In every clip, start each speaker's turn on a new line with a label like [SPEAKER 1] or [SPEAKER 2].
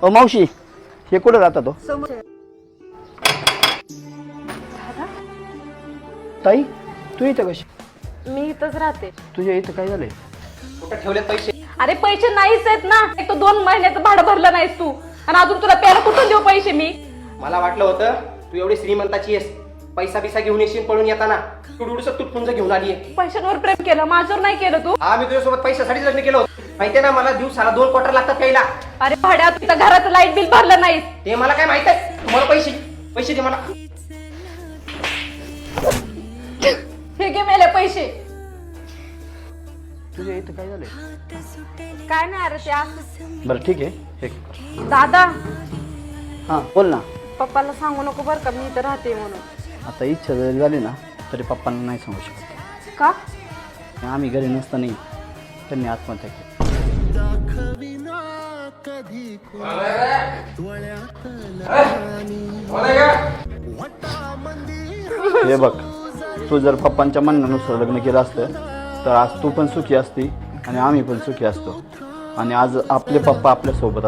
[SPEAKER 1] मावशी हे कुठं राहता तो ताई तू इथं कशी
[SPEAKER 2] मी इथंच राहते.
[SPEAKER 1] तुझ्या इथं काय झालंय
[SPEAKER 3] कुठं ठेवले पैसे?
[SPEAKER 2] अरे पैसे नाहीच आहेत ना. एक तर 2 महिन्याचं भाडं भरलं नाहीस तू आणि अजून तुला प्यायला कुठून देऊ पैसे मी?
[SPEAKER 3] मला वाटलं होतं तू एवढी श्रीमंताची आहेस, पैसा बिसा घेऊन येशील पळून येताना. तू डुडूस तुटपुंज घेऊन आली आहे.
[SPEAKER 2] पैशांवर प्रेम केलं, माझ्यावर नाही केलं तू.
[SPEAKER 3] हा, मी तुझ्यासोबत पैशासाठी लग्न केलं होतं. माहितीये ना, मला दिवसाला 2 क्वार्टर लागतात प्यायला.
[SPEAKER 2] अरे भाड्या तू इथं घराचं लाईट बिल भरलं नाहीस.
[SPEAKER 3] ते मला काय माहित आहे. तुम्हाला पैसे दे मला.
[SPEAKER 2] हे घे मेले पैसे.
[SPEAKER 1] तुझ्या इथं काय झालंय?
[SPEAKER 2] काय नाही अरे ते असं.
[SPEAKER 1] बरं ठीक आहे हे
[SPEAKER 2] दादा
[SPEAKER 1] हां बोल ना.
[SPEAKER 2] पप्पाला सांगू नको बरं का मी इथं राहते म्हणून.
[SPEAKER 1] आता इच्छा जरी झाली ना तरी पप्पांना नाही सांगू शकत.
[SPEAKER 2] का?
[SPEAKER 1] आम्ही घरी नसताना त्यांनी आत्महत्या केली. हे बघ तू जर पप्पांच्या म्हणण्यानुसार लग्न केलं असतं तर आज तू पण सुखी असती आणि आम्ही पण सुखी असतो आणि आज आपले पप्पा आपल्या सोबत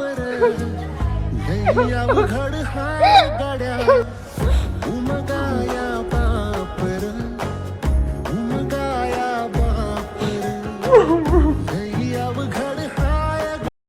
[SPEAKER 1] असतात.